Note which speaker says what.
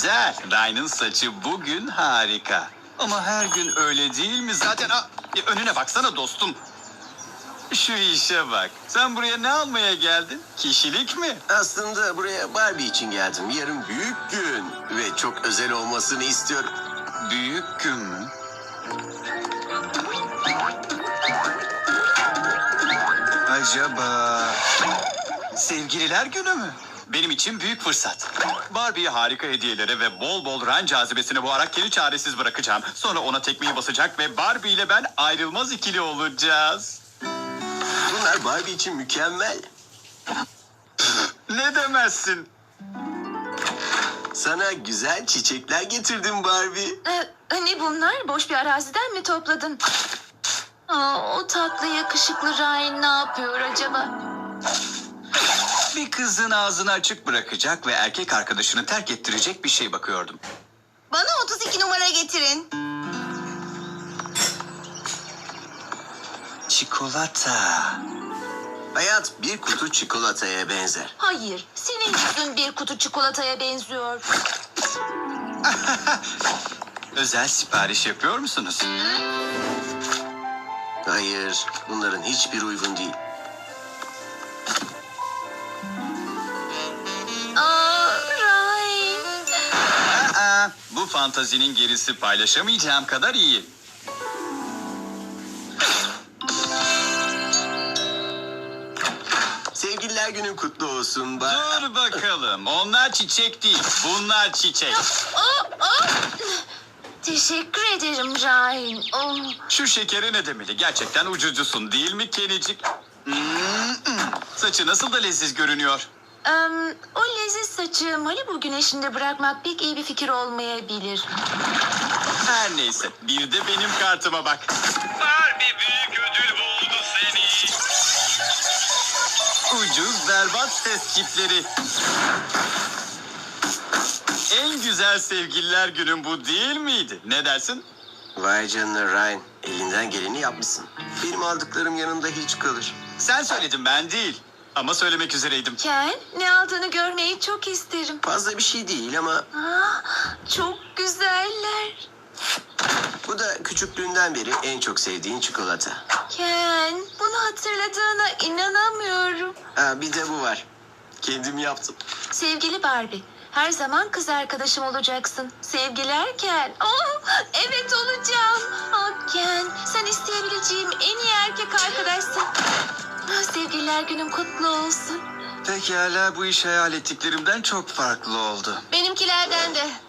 Speaker 1: Güzel. Ryan'ın saçı bugün harika. Ama her gün öyle değil mi? Zaten önüne baksana dostum. Şu işe bak. Sen buraya ne almaya geldin? Kişilik mi?
Speaker 2: Aslında buraya Barbie için geldim. Yarın büyük gün ve çok özel olmasını istiyorum.
Speaker 1: Büyük gün mü? Acaba sevgililer günü mü? Benim için büyük fırsat. Barbie'ye harika hediyelere ve bol bol Ryan cazibesine boğarak kendi çaresiz bırakacağım. Sonra ona tekmeyi basacak ve Barbie ile ben ayrılmaz ikili olacağız.
Speaker 2: Bunlar Barbie için mükemmel.
Speaker 1: Ne demezsin?
Speaker 2: Sana güzel çiçekler getirdim Barbie.
Speaker 3: Ne bunlar? Boş bir araziden mi topladın? O tatlı yakışıklı Ryan ne yapıyor acaba?
Speaker 1: Bir kızın ağzını açık bırakacak ve erkek arkadaşını terk ettirecek bir şey bakıyordum.
Speaker 3: Bana 32 numara getirin.
Speaker 1: Çikolata.
Speaker 2: Hayat bir kutu çikolataya benzer.
Speaker 3: Hayır, senin yüzün bir kutu çikolataya benziyor.
Speaker 1: Özel sipariş yapıyor musunuz?
Speaker 2: Hayır, bunların hiçbir uygun değil.
Speaker 3: Ryan.
Speaker 1: Bu fantazinin gerisi paylaşamayacağım kadar iyi.
Speaker 2: Sevgililer günün kutlu olsun.
Speaker 1: Dur bakalım. Onlar çiçek değil. Bunlar çiçek.
Speaker 3: Teşekkür ederim Ryan.
Speaker 1: Şu şekeri ne demeli? Gerçekten ucucusun değil mi Kenicik? Saçı nasıl da leziz görünüyor.
Speaker 3: O leziz saçı Malibu güneşinde bırakmak pek iyi bir fikir olmayabilir.
Speaker 1: Her neyse. Bir de benim kartıma bak. Barbie büyük ödül buldu seni. Ucuz berbat ses çipleri. En güzel sevgililer günün bu değil miydi? Ne dersin?
Speaker 2: Vay canına Ryan, elinden geleni yapmışsın. Benim aldıklarım yanında hiç kalır.
Speaker 1: Sen söyledin, ben değil. Ama söylemek üzereydim.
Speaker 3: Ken, ne aldığını görmeyi çok isterim.
Speaker 2: Fazla bir şey değil ama
Speaker 3: Çok güzeller.
Speaker 2: bu da küçüklüğünden beri en çok sevdiğin çikolata.
Speaker 3: Ken, bunu hatırladığına inanamıyorum.
Speaker 2: Bir de bu var. Kendim yaptım.
Speaker 3: Sevgili Barbie, her zaman kız arkadaşım olacaksın. Sevgiler Ken. Evet olacağım. Ken, sen isteyebileceğim en iyi erkek arkadaşsın. Sevgililer günün kutlu olsun.
Speaker 1: Pekala, bu iş hayal ettiklerimden çok farklı oldu.
Speaker 3: Benimkilerden de.